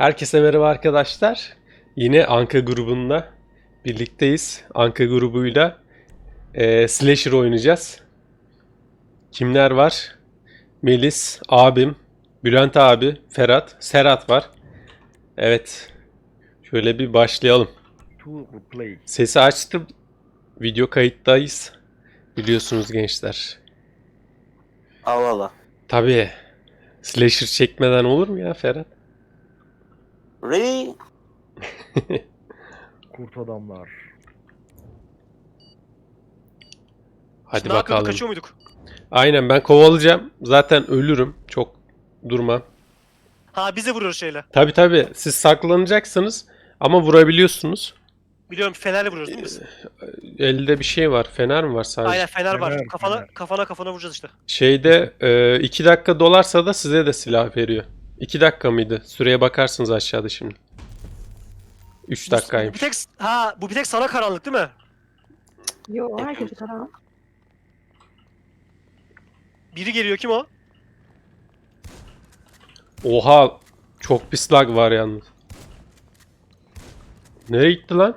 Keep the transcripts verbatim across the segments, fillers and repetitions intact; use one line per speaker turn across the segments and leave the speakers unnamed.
Herkese merhaba arkadaşlar. Yine Anka grubunda birlikteyiz. Anka grubuyla e, Slasher oynayacağız. Kimler var? Melis, abim, Bülent abi, Ferhat, Serhat var. Evet. Şöyle bir başlayalım. Sesi açtım. Video kayıttayız. Biliyorsunuz gençler.
Allah Allah.
Tabii. Slasher çekmeden olur mu ya Ferhat?
Really?
Kurt adamlar.
Hadi
Ne yapıyorduk,
bakalım.
kaçıyor muyduk?
Aynen, ben kovalayacağım. Zaten ölürüm. Çok durmam.
Ha, bize vuruyor şeyle.
Tabi tabi, siz saklanacaksınız ama vurabiliyorsunuz.
Biliyorum, fenerle vuruyoruz değil mi biz?
Elde bir şey var. Fener mi var sadece?
Aynen, fener var.
Fener,
Kafana
fener.
kafana kafana vuracağız işte.
Şeyde e, iki dakika dolarsa da size de silah veriyor. iki dakika mıydı? Süreye bakarsınız aşağıda şimdi. üç
Bu, bu bir
dakikaymış.
tek ha bu bir tek sana karanlık değil mi?
Yo, herkese karanlık.
Biri geliyor, kim o?
Oha! Çok pis lag var yalnız. Nereye gitti lan?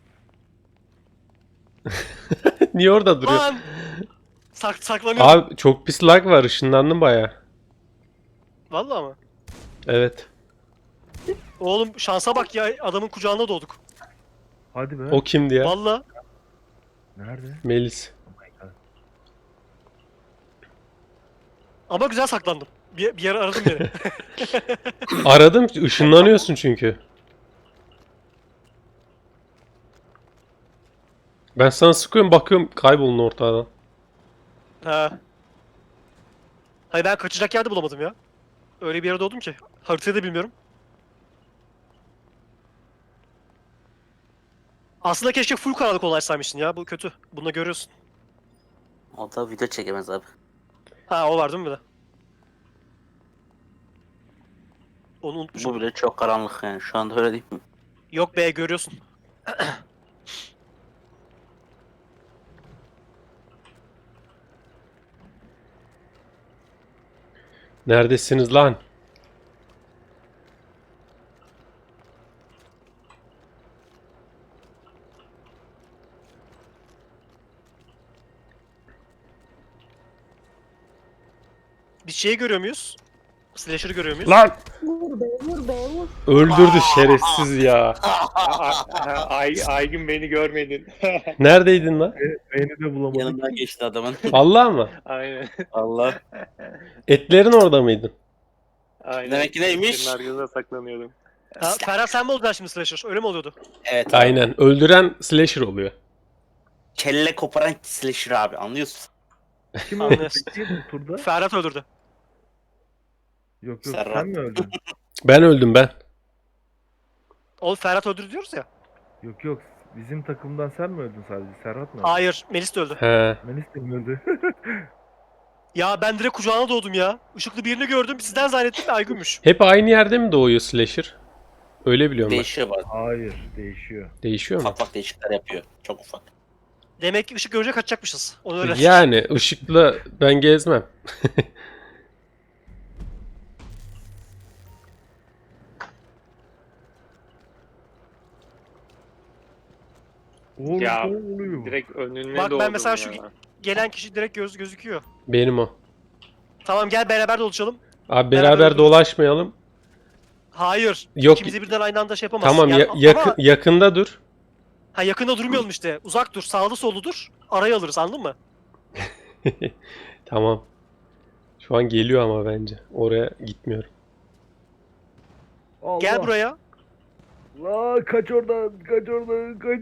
Niye orada duruyor?
Lan! Sak saklanıyor.
Abi çok pis lag var. Işınlandım baya.
Vallahi mı?
Evet.
Oğlum şansa bak ya, adamın kucağında doğduk.
Hadi be.
O kimdi ya?
Vallahi.
Nerede?
Melis.
Ama güzel saklandım. Bir, bir yer aradım beni.
Aradım. Işınlanıyorsun çünkü. Ben sana sıkıyorum, bakıyorum kaybolun ortadan.
Ha. Hayır, ben kaçacak yer de bulamadım ya. Öyle bir yere doğdum ki. Haritayı da bilmiyorum. Aslında keşke full karanlık olaymışsın ya. Bu kötü. Bunu da görüyorsun.
O da video çekemez abi.
Ha, o var değil mi bir de? Onu unutmuşum.
Bu bile çok karanlık yani. Şu anda öyle değil mi?
Yok be, görüyorsun.
Neredesiniz lan?
Biz şeyi görüyor muyuz? Slasher'ı görüyor muyuz?
Lan!
Vur be, vur be, vur.
Öldürdü şerefsiz ya.
Ay, Aygün beni görmedin.
Neredeydin lan?
Beni de bulamadık.
Yanımdan geçti adamın.
Allah mı?
Aynen.
Allah.
Etlerin orada mıydın?
Aynen.
Demek ki neymiş?
Senin arkasında saklanıyordum.
Ha, Ferhat sen mi oldun şimdi Slasher? Öyle mi oluyordu?
Evet abi.
Aynen. Öldüren slasher oluyor.
Kelle koparan slasher abi, anlıyorsun.
Kim öldü
Anlıyorsun.
peki bu turda?
Ferhat öldürdü.
Yok yok
Serhat.
sen mi öldün?
Ben öldüm ben.
Oğlum Ferhat öldürdü diyoruz ya.
Yok yok bizim takımdan sen mi öldün sadece? Serhat mı öldü?
Hayır, Melis de öldü.
He.
Melis de mi öldü?
Ya ben direkt kucağına doğdum ya. Işıklı birini gördüm, sizden zannettim de Aygün'müş.
Hep aynı yerde mi doğuyor slasher? Öyle biliyorum ben.
Değişiyor bazen.
Hayır değişiyor.
Değişiyor mu?
Ufak ufak değişiklikler yapıyor. Çok ufak.
Demek ki ışık görünce kaçacakmışız. Onu öyle.
Yani ışıkla ben gezmem.
Oğlum
Ya,
ne oluyor?
Direkt önüne
Bak ben
doğdum
mesela
ya.
şu- Gelen kişi direkt göz gözüküyor.
Benim o.
Tamam, gel beraber dolaşalım.
Abi
Beraber
beraber
öldürürüz.
dolaşmayalım.
Hayır.
Yok.
İkimizi birden aynı anda şey yapamazsın.
Tamam,
Yani
ya-
ama-
yakın, yakında dur.
Ha, yakında durmayalım işte. Uzak dur, sağlı sollu dur. Araya alırız, anladın mı?
Tamam. Şu an geliyor ama bence. Oraya gitmiyorum.
Allah.
Gel buraya.
La kaç oradan kaç oradan kaç.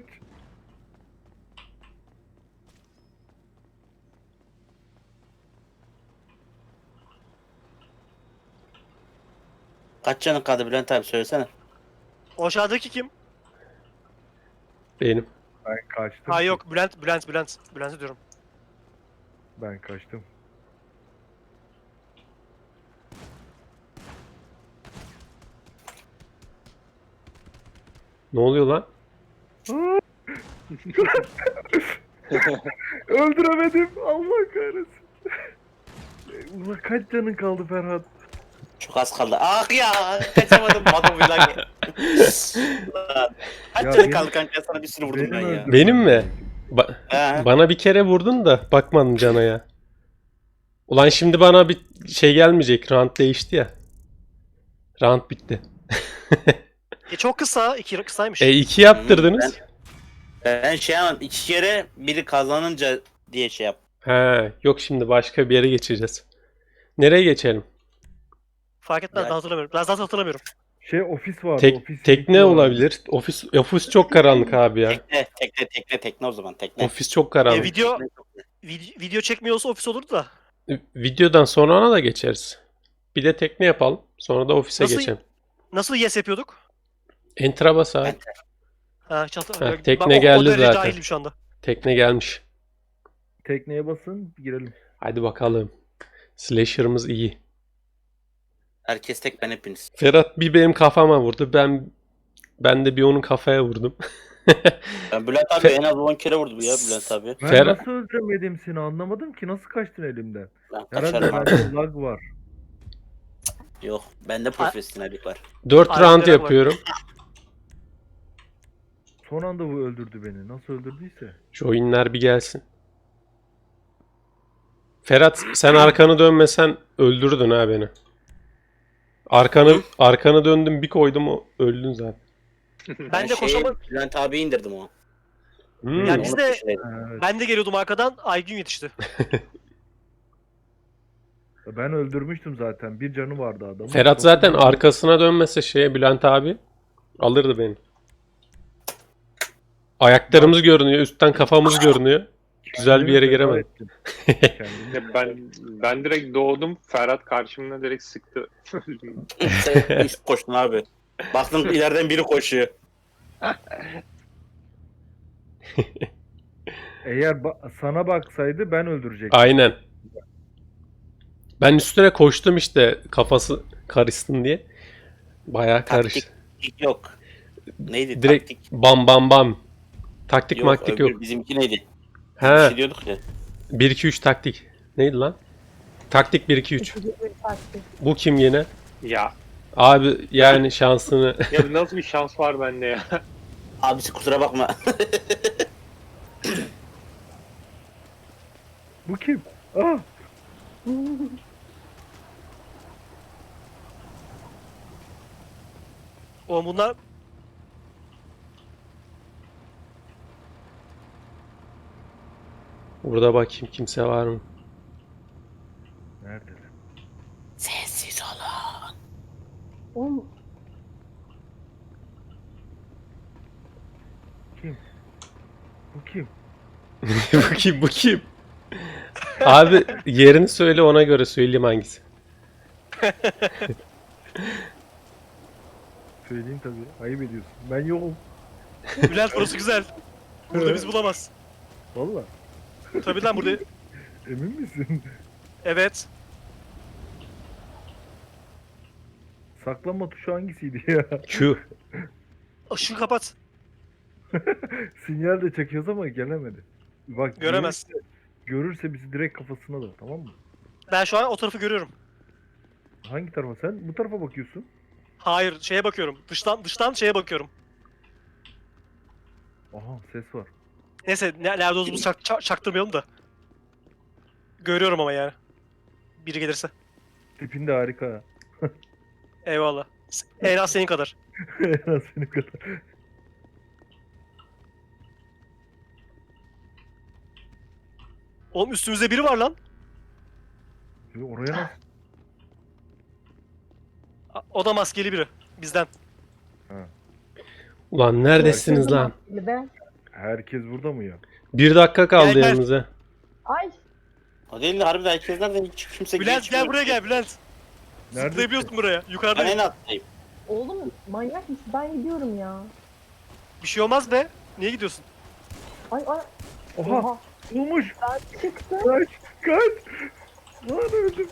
Kaç canın kaldı Bülent abi, söylesene.
O aşağıdaki kim?
Benim.
Ben kaçtım.
Ha
ki.
yok, Bülent, Bülent, Bülent. Bülent'i diyorum.
Ben kaçtım.
Ne oluyor lan?
Öldüremedim. Allah kahretsin. Ulan kaç canın kaldı Ferhat?
Çok az kaldı. Ah ya kaçamadım. Adam bir lan. Kaç
Ya
canı
benim-
kaldı kanka, sana bir sürü vurdum ben ya.
öldürmem
Benim mi?
gerekiyor.
Ba-
He.
bana bir kere vurdun da bakmadım cana ya. Ulan şimdi bana bir şey gelmeyecek. Round değişti ya. Round bitti.
E çok kısa. iki kısaymış.
E iki yaptırdınız.
Ben şey yapmam. iki kere biri kazanınca diye şey yap.
He, yok şimdi başka bir yere geçeceğiz. Nereye geçelim?
Fark etmez
Ya-
ben hatırlamıyorum. Ben zaten hatırlamıyorum.
Şey ofis vardı.
Tek,
ofis
tekne
vardı.
olabilir. Ofis ofis çok karanlık abi ya.
Tekne tekne tekne tekne o zaman tekne.
Ofis çok
E,
karanlık.
video
Tekne.
vid- video çekmiyorsa ofis olurdu da.
Videodan sonra ona da geçeriz. Bir de tekne yapalım. Sonra da ofise
Nasıl-
geçelim.
Nasıl yes yapıyorduk?
Enter'a bas abi.
Enter.
Ha, çat-
Ha,
Bak,
tekne
o- o
geldi
derece
zaten.
cahilim şu anda.
Tekne gelmiş.
Tekneye basın girelim.
Hadi bakalım. Slasher'ımız iyi.
Herkes tek, ben hepiniz.
Ferhat bir benim kafama vurdu. Ben ben de bir onun kafaya vurdum.
Ben Bülent abi en az on kere vurdu bu ya Bülent abi.
Ben
Ferhat-
nasıl öldüremedim seni anlamadım ki. Nasıl kaçtın elimden?
Ben
Herhalde
kaçarım abi.
bende lag var.
Yok bende profesyonellik var.
dört
Aynen,
round
var.
yapıyorum.
Son anda bu öldürdü beni. Nasıl öldürdüyse.
Şu oyunlar bir gelsin. Ferhat sen arkanı dönmesen öldürdün ha beni. Arkanı arkanı döndüm bir koydum o öldün zaten.
Ben de
şeyi,
koşamadım.
Bülent abi indirdim o.
Hmm.
Yani biz
Onu
de-
peşindeydim.
Ha, evet.
Ben de geliyordum arkadan. Aygün yetişti.
Ben öldürmüştüm zaten. Bir canı vardı adamın.
Ferhat
Çok
zaten
güzel.
arkasına dönmese şeye Bülent abi alırdı beni. Ayaklarımız görünüyor, üstten kafamız görünüyor. Güzel bir yere
Kendimi feda
giremedim.
ettim. Kendimi-
Ya ben ben direkt doğdum. Ferhat karşımda direkt sıktı.
Sen üst koştun abi. Baktın ileriden biri koşuyor.
Eğer ba- sana baksaydı ben öldürecektim.
Aynen. Ben üstüne koştum işte kafası karışsın diye. Bayağı karıştı.
Taktik yok. Neydi
Direkt
taktik?
bam bam bam. Taktik
Yok,
maktik
öbür
yok.
bizimki neydi? Bir
He,
şey diyorduk ya.
bir iki üç taktik. Neydi lan? Taktik bir iki üç.
İkinci bir taktik.
Bu kim yine?
Ya
Abi yani şansını
ya nasıl bir şans var bende ya?
Abisi kusura bakma.
Bu kim? Ah!
O bunlar
burada bakayım kimse var mı?
Neredeler?
Sessiz olun.
Oğlum
Kim? Bu kim?
Bu kim bu kim? Abi yerini söyle ona göre söyleyeyim hangisi.
Söyleyeyim tabii. Ayıp ediyorsun. Ben yokum.
Bülent burası güzel. Burada bizi bulamaz.
Valla.
Tabii lan burada.
Emin misin?
Evet.
Saklanma tuşu hangisiydi ya?
Q.
Işığı kapat.
Sinyal de çekiyoruz ama gelemedi. Bak
Göremez.
Görürse, görürse bizi direkt kafasına da, tamam mı?
Ben şu an o tarafı görüyorum.
Hangi tarafa sen? Bu tarafa bakıyorsun.
Hayır, şeye bakıyorum. Dıştan dıştan şeye bakıyorum.
Aha ses var.
Neyse, ne- nerede olduğumuzu çak, çak- çaktırmayalım da. Görüyorum ama yani. Biri gelirse.
Tipin de harika.
Eyvallah. En az senin kadar.
En az senin kadar.
Oğlum üstümüzde biri var lan.
Ya oraya nasıl?
A- O da maskeli biri. Bizden.
Ulan neredesiniz lan?
Bir de.
Herkes burada mı ya?
Bir dakika kaldı
Gel, gel.
yanımıza.
Ay.
O değil de harbiden herkes nereden hiç kimse
Bülent
geçmiyor.
gel buraya gel Bülent.
Neredesin?
Zıplayabiliyorsun buraya.
Ben
Yukarıdayım.
en alttayım.
Oğlum manyak mısın? Ben gidiyorum ya.
Bir şey olmaz be. Niye gidiyorsun?
Ay ay.
Oha!
Oha.
Bulmuş!
Ben çıktım.
Kaç! Kaç! Lan öldüm.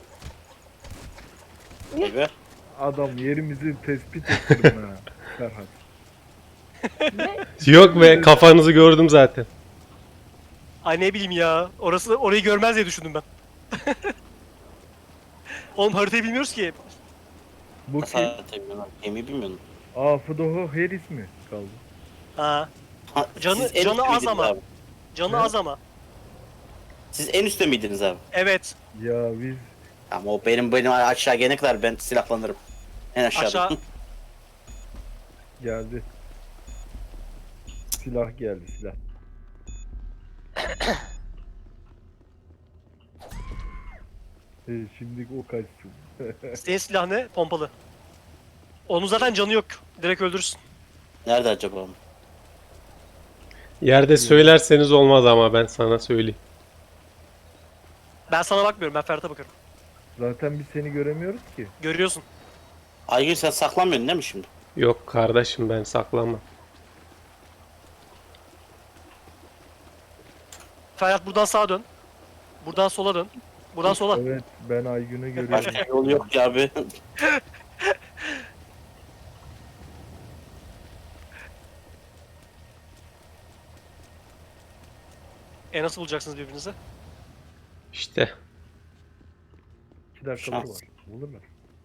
Ebe.
Adam yerimizi tespit ettirdim ha. Serhat.
Ve
Yok be kafanızı gördüm zaten.
Ay ne bileyim ya. Orası orayı görmez diye düşündüm ben. Oğlum haritayı bilmiyoruz ki.
Bu
Nasıl
kim?
hayatta bilmiyorum. Gemiyi bilmiyorum.
Aa Fdoho Harris mi kaldı?
Ha.
Ha,
Canı-
siz en
canı
üstte
az
miydiniz
ama.
Abi?
Canı
Ne?
az ama.
Siz en üstte miydiniz abi?
Evet.
Ya biz
Ama o benim benim aşağı gelene kadar ben silahlanırım. En aşağıda.
Aşağı.
geldi. Silah geldi silah. Ee, şimdi o kaçsın.
Senin silah ne? Pompalı. Onun zaten canı yok. Direkt öldürürsün.
Nerede acaba onu?
Yerde söylerseniz olmaz ama ben sana söyleyeyim.
Ben sana bakmıyorum. Ben Ferhat'a bakarım.
Zaten biz seni göremiyoruz ki.
Görüyorsun.
Aygün sen saklanmıyorsun değil mi şimdi?
Yok kardeşim ben saklanmam.
Ferhat buradan sağa dön. Buradan sola dön. Buradan sola.
Evet ben Aygün'ü görüyorum.
Başka yol yok ki abi.
E nasıl bulacaksınız birbirinizi?
İşte
İki dakikaları
Şans.
var. Bulurlar.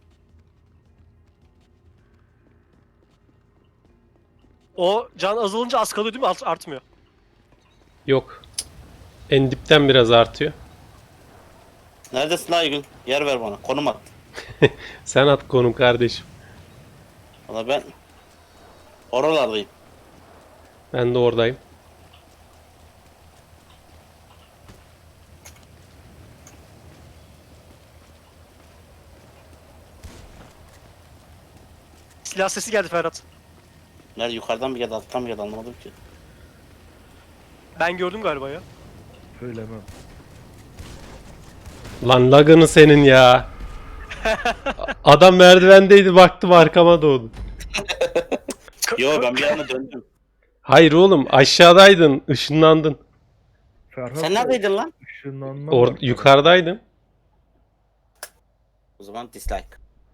O can azalınca az kalıyor değil mi? Art- artmıyor.
yok. En dipten biraz artıyor.
Neredesin Aygün? Yer ver bana. Konum at.
Sen at konum kardeşim.
Valla ben oralardayım.
Ben de oradayım.
Silah sesi geldi Ferhat.
Nerede yukarıdan mı geldi alttan mı geldi anlamadım ki.
Ben gördüm galiba ya.
Söylemem.
Lan lagını senin ya. Adam merdivendeydi baktım arkama doğdu.
Yo ben bir anda döndüm.
Hayır oğlum aşağıdaydın ışınlandın.
Ferhat
Sen
da
neredeydin lan?
ışınlanma
Or
var Ferhat.
yukarıdaydın.
O zaman dislike.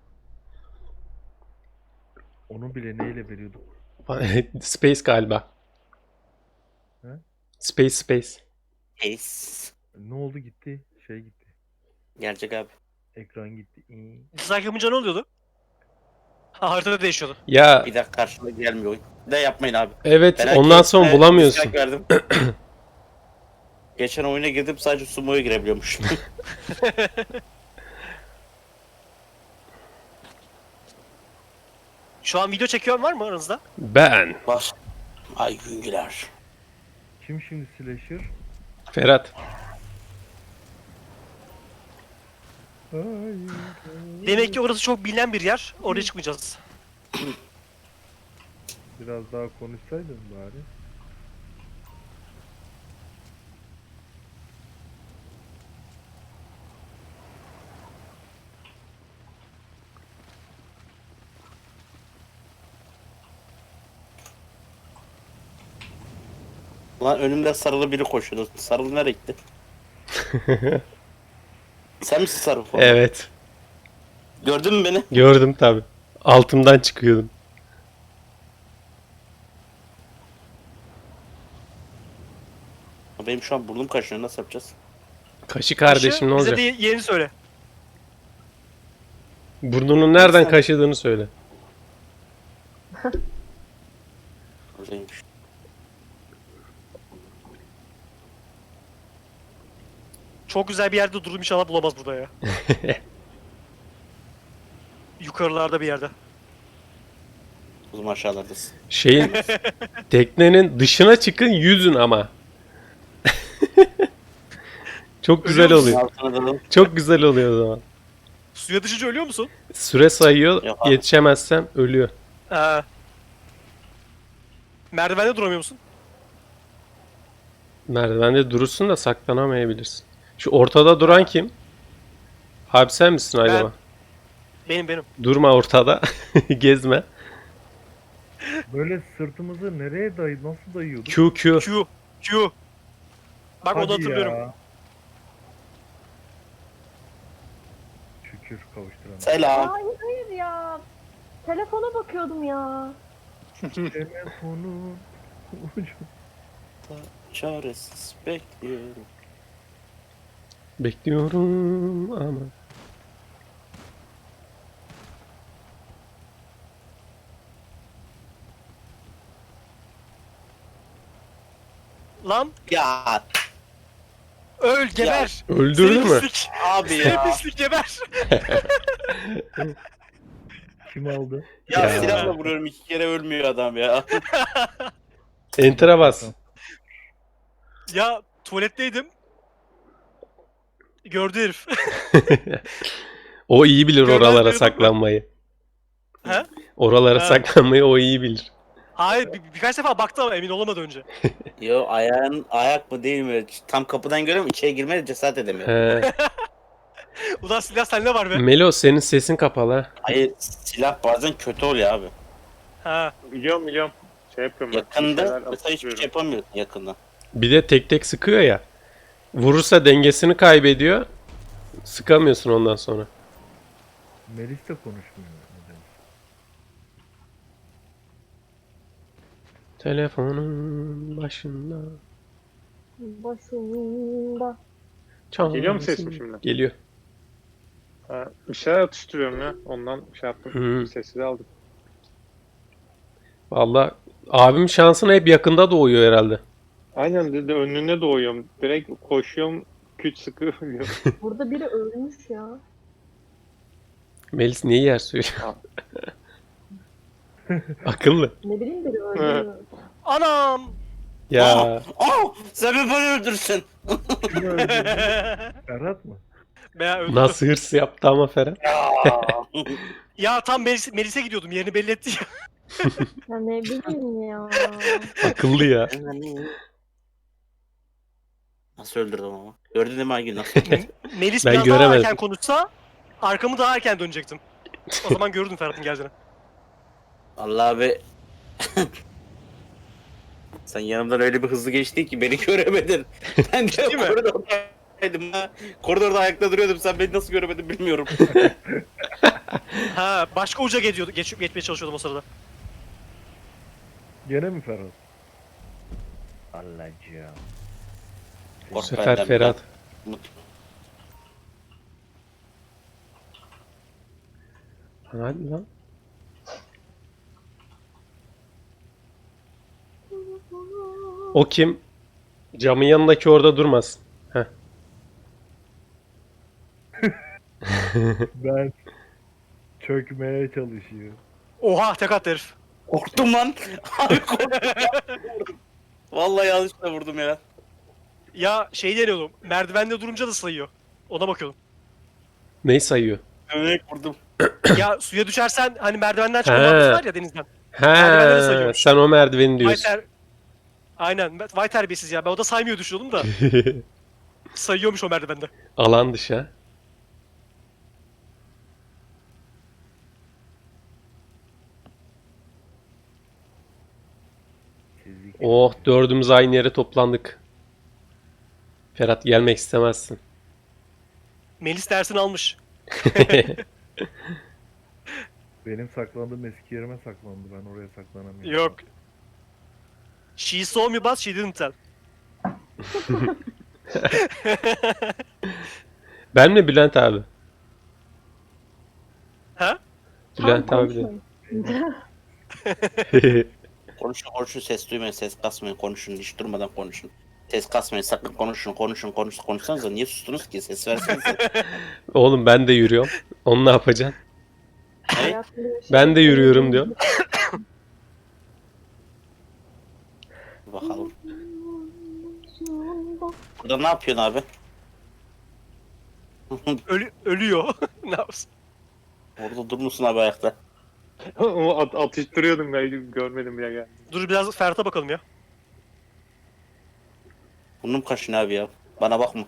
Onu bile neyle veriyorduk?
Space galiba.
He?
Space space.
Ace.
Ne oldu gitti? Şey gitti.
Gelecek abi.
Ekran gitti. İyi.
Dislike yapınca ne oluyordu? Ha haritada değişiyordu.
Ya
Bir dakika karşıma gelmiyor oyun. De yapmayın abi.
evet
Ben
ondan
herkese
sonra bulamıyorsun.
dislike verdim. Geçen oyuna girdim sadece sumo'ya girebiliyormuş.
Şu an video çekiyor var mı aranızda?
Ben.
Var. Ay güngüler.
Kim şimdi slasher?
Ferhat.
Hayır.
Demek ki orası çok bilinen bir yer. Oraya çıkmayacağız.
Biraz daha konuşsaydın bari.
Lan önümde sarılı biri koşuyordu. Sarılı nereye gitti? Sen misin sarı falan?
Evet.
Gördün mü beni?
Gördüm tabi. Altımdan çıkıyordum.
Benim şu an burnum kaşınıyor. Nasıl yapacağız?
Kaşı kardeşim ne
Bize
olacak?
de yerini söyle.
Burnunun nereden
Sen-
kaşıdığını söyle.
Öyleymiş.
Çok güzel bir yerde durdum inşallah bulamaz burada ya. Yukarılarda bir yerde.
O zaman aşağılardasın.
Şeyin teknenin dışına çıkın yüzün ama. Çok güzel
Ölüyor
oluyor.
Altına dalalım.
Çok güzel oluyor o zaman.
Suya düşünce ölüyor musun?
Süre sayıyor.
Yok abi.
Yetişemezsem ölüyor.
Ee, merdivende duramıyor musun?
Merdivende durursun da saklanamayabilirsin. Şu ortada duran kim? Abi sen misin acaba?
Benim benim.
Durma ortada. Gezme.
Böyle sırtımızı nereye dayı nasıl dayıyorduk?
Q Q.
Q. Q. Bak onu
Hadi
hatırlıyorum.
ya. Şükür kavuşturana.
Selam.
Hayır hayır ya. Telefona bakıyordum ya.
Telefonun ucu.
Çaresiz bekliyorum.
Bekliyorum ama.
Lan
Ya
öl geber.
Öldürdü
Seni
mü?
pislik.
abi
Seni
ya.
pislik geber.
Kim aldı?
Ya,
Ya.
silahla vuruyorum iki kere ölmüyor adam ya.
Enter'a bas.
Ya tuvaletteydim. Gördü herif.
O iyi bilir
Görmez
oralara
duydun mu?
saklanmayı.
He?
Oralara
Ha.
saklanmayı o iyi bilir.
Hayır bir, birkaç defa baktı ama emin olamadı önce.
Yo ayağın ayak mı değil mi? Tam kapıdan görüyorum içeri girmeye cesaret edemiyorum.
He.
Ulan silah sende var be.
Melo senin sesin kapalı ha.
Hayır silah bazen kötü oluyor abi.
Ha.
Biliyorum biliyorum. Şey yapıyorum. ben, bir
Yakında
şeyler
mesela hiçbir
atıyorum.
şey yapamıyorsun yakında.
Bir de tek tek sıkıyor ya. Vurursa dengesini kaybediyor. Sıkamıyorsun ondan sonra.
Melis de konuşmuyor. neden?
Telefonun başında.
Başında.
Çalsın.
Geliyor mu sesim şimdi?
Geliyor.
Ha, bir şeyler atıştırıyorum ya. Ondan şey yaptım.
Hı.
Sessiz aldım.
Valla abim şansına hep yakında doğuyor herhalde.
Aynen dedi önüne doğuyorum. Direkt koşuyorum. Küt sıkı ölüyorum.
Burada biri ölmüş ya.
Melis niye yer söylüyor? Akıllı.
Ne bileyim biri öldü mü?
Anam.
Ya
Aa, sen beni böyle öldürsün.
Kim öldü? Ferhat mı?
Veya öldü.
nasıl hırs yaptı ama Ferhat.
Ya tam Melis, Melis'e gidiyordum yerini belli etti ya.
Ya ne bileyim ya.
Akıllı ya.
Nasıl öldürdüm ama? Gördün değil mi Aygün nasıl?
Melis
Ben
biraz daha
göremedim.
erken konuşsa arkamı daha erken dönecektim. O zaman görürdüm Ferhat'ın geldiğini.
Allah abi. Sen yanımdan öyle bir hızlı geçtin ki beni göremedin. Ben de
Ciddi mi?
koridordaydım ha. Koridorda ayakta duruyordum. Sen beni nasıl göremedin bilmiyorum.
Ha başka uca geçiyordu, geç, geçmeye çalışıyordum o sırada.
Gene mi Ferhat? Allah'cığım.
Bu
Kork
sefer
benden,
Ferhat.
ben-
Hadi lan. O kim? Camın yanındaki orada durmaz. Heh.
Ben çökmeye çalışıyor.
Oha tek attı herif.
Korktum lan. Abi korktum. Vallahi yanlışlıkla vurdum ya.
Ya şey deniyordum. Merdivende durunca da sayıyor. Ona bakıyordum.
Neyi sayıyor?
Örnek vurdum.
Ya suya düşersen hani merdivenden çıkma muhabbeti var ya denizden. Merdivenleri
He,
sayıyormuş.
sen o merdiveni
Vay
diyorsun.
ter... Aynen. Vay terbiyesiz ya. Ben o da saymıyor düşünüyordum da. Sayıyormuş o merdivende.
Alan dışı ha.
Çizik.
Oh dördümüz aynı yere toplandık. Ferhat gelmek istemezsin.
Melis dersini almış.
Benim saklandığım eski yerime saklandı. Ben oraya saklanamıyorum.
Yok. She saw me but she didn't tell.
Ben mi Bülent abi?
Ha?
Bülent
Tam
abi de.
konuşmayın.
Konuşun konuşun ses duymayın ses kasmayın konuşun hiç durmadan konuşun. Ses kasmayın sakın konuşun konuşun konuş konuşsanıza niye sustunuz ki ses versenize.
Oğlum ben de yürüyorum. Onu ne yapacaksın?
Hayatımda bir şey
Ben de yürüyorum diyor.
Bakalım. Burada ne yapıyorsun abi?
Ölü ölüyor. Ne yapsın?
Orada durmuşsun abi ayakta.
O at atıştırıyordum ben görmedim bile geldi.
Dur biraz Ferhat'a bakalım ya.
Burnum kaşın abi ya. Bana bakma.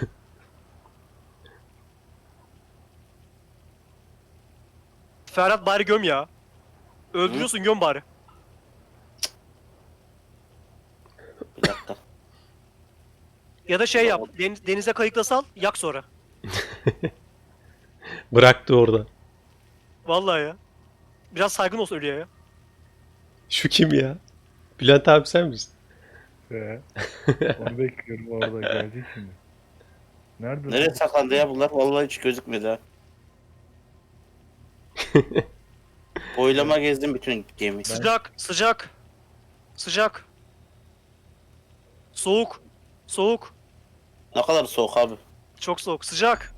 Ferhat bari göm ya. Öldürüyorsun göm bari.
Bir dakika.
Ya da şey yap. Deniz, denize kayıkla sal. Yak sonra.
Bıraktı orada.
Vallahi ya. Biraz saygın olsun ölüye ya.
Şu kim ya? Bülent abi sen misin?
He. Onu bekliyorum orada gelecek şimdi. Nerede?
Nereye saklandı ya bunlar? Vallahi hiç gözükmedi ha. Boylama gezdim bütün gemiyi.
Sıcak, sıcak. Sıcak. Soğuk. Soğuk.
Ne kadar soğuk abi.
Çok soğuk. Sıcak.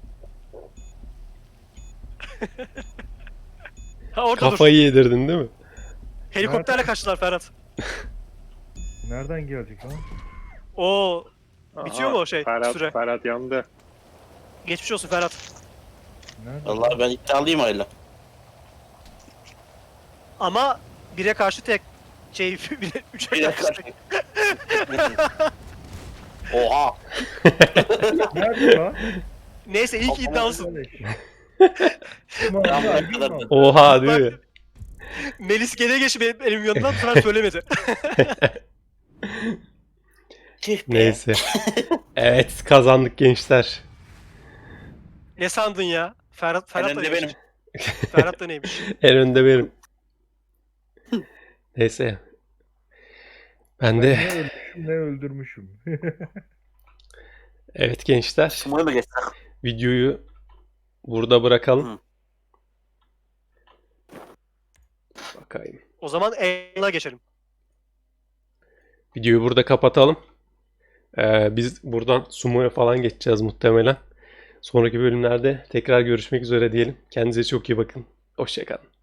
Ha orada dur.
Kafayı yedirdin değil mi?
Helikopterle kaçtılar Ferhat.
Nereden gelecek lan?
Oo. Bitiyor mu o şey,
Ferhat,
süre?
Ferhat yandı.
Geçmiş olsun Ferhat.
Nereden?
Vallahi ben iddialıyım hala.
Ama bire karşı tek. Şey, bire, üçe
Bir
karşı
dakika.
tek.
Oha.
Nerede lan?
Neyse iyi ki iddialısın.
Tamam,
Ben buraya
hadi,
kadar-
tamam.
Oha değil mi?
Melis gene geçti benim elimin yanından, bu sefer söylemedi.
Tüh be.
Neyse. Evet kazandık gençler.
Ne sandın ya? Ferhat, Ferhat da
önde
neymiş?
benim.
Ferhat da neymiş?
En önde benim. Neyse. Ben
Ben
de
ne ölmüşüm ne öldürmüşüm.
evet gençler
Sumo'ya mı geçsek?
videoyu burada bırakalım.
Hı.
Bakayım.
O zaman E'na geçelim.
Videoyu burada kapatalım. Ee, biz buradan Sumo'ya falan geçeceğiz muhtemelen. Sonraki bölümlerde tekrar görüşmek üzere diyelim. Kendinize çok iyi bakın. Hoşça kalın.